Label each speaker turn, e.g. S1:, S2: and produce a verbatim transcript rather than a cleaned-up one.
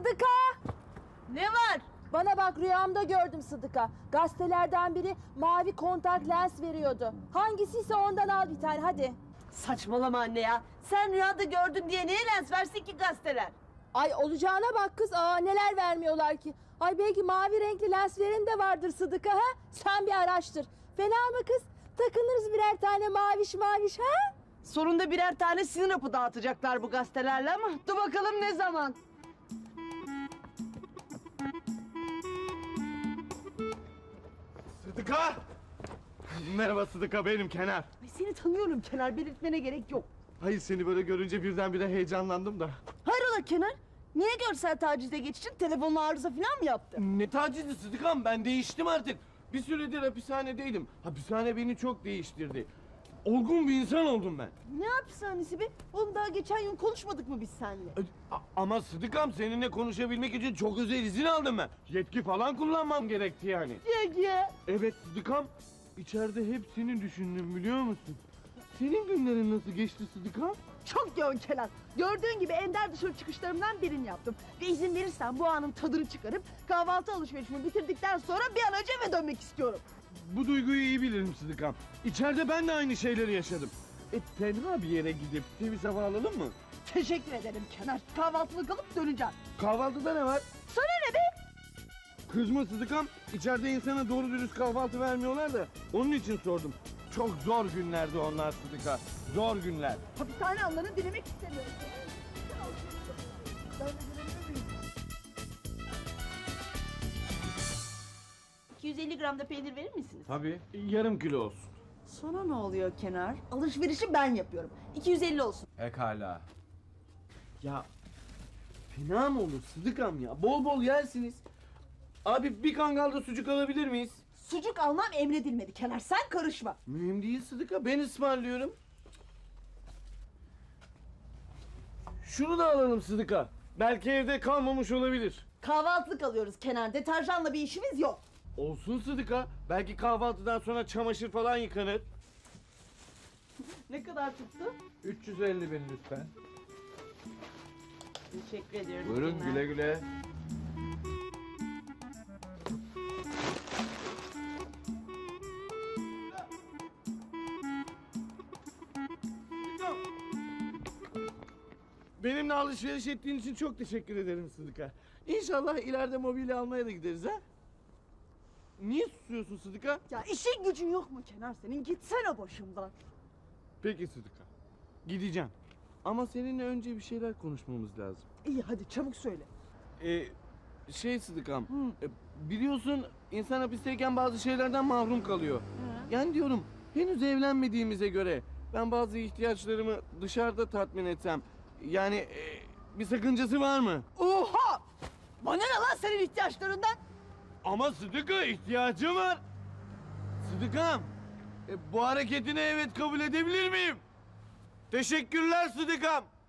S1: Sıdıka!
S2: Ne var?
S1: Bana bak, rüyamda gördüm Sıdıka. Gazetelerden biri mavi kontak lens veriyordu. Hangisiyse ondan al bir tane hadi.
S2: Saçmalama anne ya. Sen rüyada gördün diye niye lens versin ki gazeteler?
S1: Ay olacağına bak kız. Aa, neler vermiyorlar ki. Ay belki mavi renkli lens veren de vardır Sıdıka ha? Sen bir araştır. Fena mı kız? Takınırız birer tane maviş maviş ha?
S2: Sonunda birer tane sinir hapı dağıtacaklar bu gazetelerle ama dur bakalım ne zaman.
S3: Sıdıka! Merhaba Sıdıka, benim Kenar.
S2: Ay seni tanıyorum Kenar, belirtmene gerek yok.
S3: Hayır, seni böyle görünce birdenbire heyecanlandım da.
S2: Hayrola Kenar? Niye görsel tacize geçtin? Telefonun arıza falan mı yaptı?
S3: Ne tacizi Sıdıkam, ben değiştim artık. Bir süredir hapishanedeydim. Hapishane beni çok değiştirdi. Olgun bir insan oldum ben.
S2: Ne hapishanesi be? Oğlum daha geçen gün konuşmadık mı biz seninle?
S3: A- Ama Sıdıkam, seninle konuşabilmek için çok özel izin aldım ben. Yetki falan kullanmam gerekti yani.
S2: Ege.
S3: Evet Sıdıkam, içeride hep seni düşündüm biliyor musun? Senin günlerin nasıl geçti Sıdıkam?
S2: Çok yoğun Kenan. Gördüğün gibi ender dışarı çıkışlarımdan birini yaptım. Ve izin verirsen bu anın tadını çıkarıp kahvaltı alışverişimi bitirdikten sonra bir an önce eve dönmek istiyorum.
S3: Bu duyguyu iyi bilirim Sıdıkam. İçeride ben de aynı şeyleri yaşadım. E tenha bir yere gidip temiz hava alalım mı?
S2: Teşekkür ederim Kenar. Kahvaltılık alıp döneceğim.
S3: Kahvaltıda ne var?
S2: Sana ne be?
S3: Kızma Sıdıkam. İçeride insana doğru dürüst kahvaltı vermiyorlar da onun için sordum. Çok zor günlerdi onlar Sıdıka. Zor günler.
S2: Hapishane anlarını dilemek istemiyorum. Ben de görebilir miyim? iki yüz elli gram da peynir verir misiniz?
S3: Tabii. Yarım kilo olsun.
S2: Sana ne oluyor Kenar? Alışverişi ben yapıyorum. iki yüz elli olsun.
S3: Pekala. Ya fena mı olur Sıdıkam ya? Bol bol yersiniz. Abi bir kangalda sucuk alabilir miyiz?
S2: Sucuk almam emredilmedi Kenar. Sen karışma.
S3: Mühim değil Sıdıka, ben ısmarlıyorum. Şunu da alalım Sıdıka. Belki evde kalmamış olabilir.
S2: Kahvaltılık alıyoruz Kenar. Deterjanla bir işimiz yok.
S3: Olsun Sıdıka. Belki kahvaltıdan sonra çamaşır falan yıkanır.
S2: Ne kadar tuttu?
S3: üç yüz elli bin lütfen.
S2: Teşekkür ediyorum.
S3: Buyurun
S2: Kenar.
S3: güle güle. Benimle alışveriş ettiğin için çok teşekkür ederim Sıdıka. İnşallah ileride mobilya almaya da gideriz ha. Niye susuyorsun Sıdıka?
S2: Ya işin gücün yok mu Kenar senin? Gitsene başımdan.
S3: Peki Sıdıka. Gideceğim. Ama seninle önce bir şeyler konuşmamız lazım.
S2: İyi hadi çabuk söyle.
S3: Ee, şey Sıdıkam, e, biliyorsun insan hapisteyken bazı şeylerden mahrum kalıyor. Yani diyorum henüz evlenmediğimize göre ben bazı ihtiyaçlarımı dışarıda tatmin etsem, yani e, bir sakıncası var mı?
S2: Oha! Bana ne lan senin ihtiyaçlarından?
S3: Ama Sıdıka, ihtiyacım var. Sıdıkam, e, bu hareketine evet kabul edebilir miyim? Teşekkürler Sıdıkam.